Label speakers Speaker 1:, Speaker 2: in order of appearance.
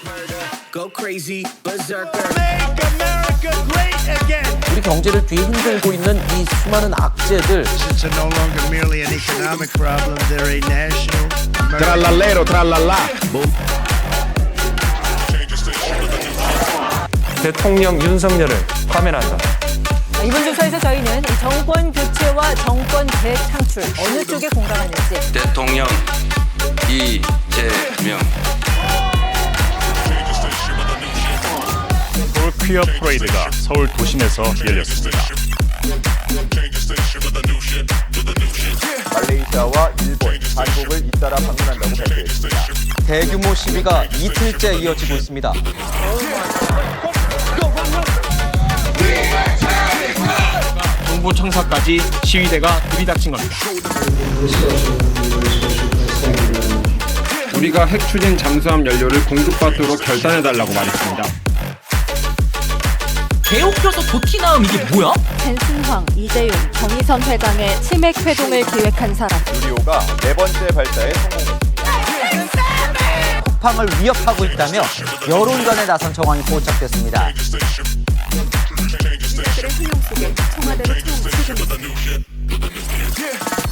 Speaker 1: Go crazy, berserker.
Speaker 2: Make America great again.
Speaker 3: 우리 경제를 뒤흔들고 있는 이 수많은 악재들,
Speaker 2: Since they're no longer merely an economic problem, they're a national.
Speaker 4: Trallallero, trallallà.
Speaker 5: 대통령 윤석열을 파면한다.
Speaker 6: 이번 조사에서 저희는 이 정권 교체와 정권 재창출 어느 쪽에 공감하는지
Speaker 7: 대통령 이재명.
Speaker 8: 서울 퀴어 프레이드가 서울 도심에서 열렸습니다.
Speaker 9: 말레이시아와 일본, 한국을 잇따라 방문한다고 발표했습니다. 대규모 시위가 이틀째 이어지고 있습니다.
Speaker 4: 정부 청사까지 시위대가 들이닥친 겁니다. 우리가 핵 추진 잠수함 연료를 공급받도록 결단해달라고 말했습니다.
Speaker 3: 개옥혀서 도티나움 이게 뭐야?
Speaker 6: 펜슨황, 이재용, 정의선 회장의 치맥 회동을 기획한 사람
Speaker 9: 유리호가 네 번째 발사에 성공했습니다. 쿠팡을 위협하고 있다며 여론전에 나선 정황이 포착됐습니다.
Speaker 6: 그들의 소용 속에 청와대로 처음 출근했습니다.